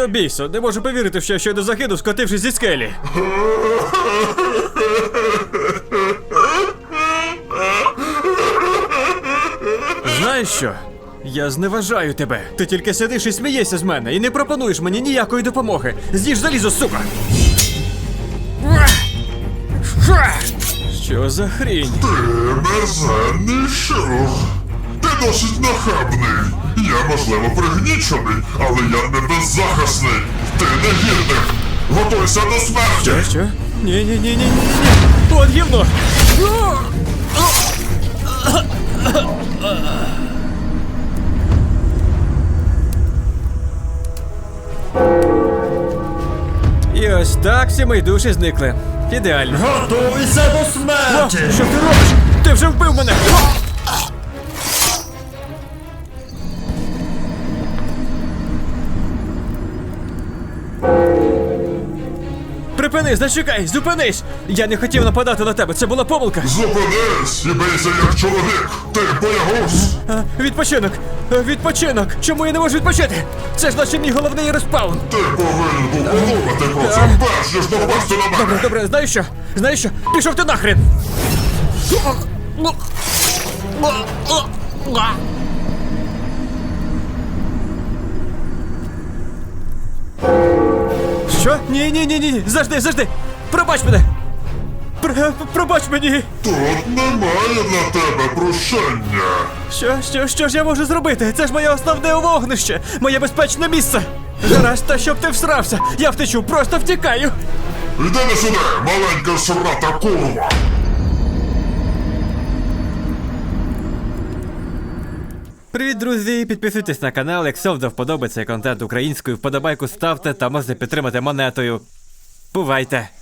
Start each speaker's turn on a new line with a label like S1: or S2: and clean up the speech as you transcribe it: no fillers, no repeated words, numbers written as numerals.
S1: Бійсо, не можу повірити, що я щойно загинув, скотившись зі скелі. Знаєш що? Я зневажаю тебе. Ти тільки сидиш і смієшся з мене і не пропонуєш мені ніякої допомоги. З'їж залізо, сука! Що за хрінь?
S2: Ти мерзенний щур. Ти досить нахабний. Я, можливо, пригнічений, але я не беззахисний. Ти негідник. Готуйся до смерті.
S1: Що? Ні. От гівно! І ось так всі мої душі зникли. Ідеально.
S3: Готуйся до
S1: О,
S3: смерті!
S1: що ти робиш? Ти вже вбив мене! Припини, зачекай, зупинись! Я не хотів нападати на тебе, це була помилка.
S2: Зупинись і бийся як чоловік. Ти боягуз.
S1: Відпочинок! Чому я не можу відпочити? Це ж наче мій головний респаун.
S2: Ти повинен був подумати про це перш ніж напасти на мене.
S1: Добре, знаєш що? Пішов ти нахрен! Що? Ні, завжди! Пробач мене! Пробач мені!
S2: Тут немає для тебе прощення.
S1: Що ж я можу зробити? Це ж моє основне вогнище! Моє безпечне місце! Гаразд, та щоб ти всрався! Я втечу, просто втікаю!
S2: Йди не сюди, маленька срата курва.
S1: Привіт, друзі! Підписуйтесь на канал, якщо вам до вподоби цей контент українською, вподобайку ставте та можете підтримати монетою. Бувайте!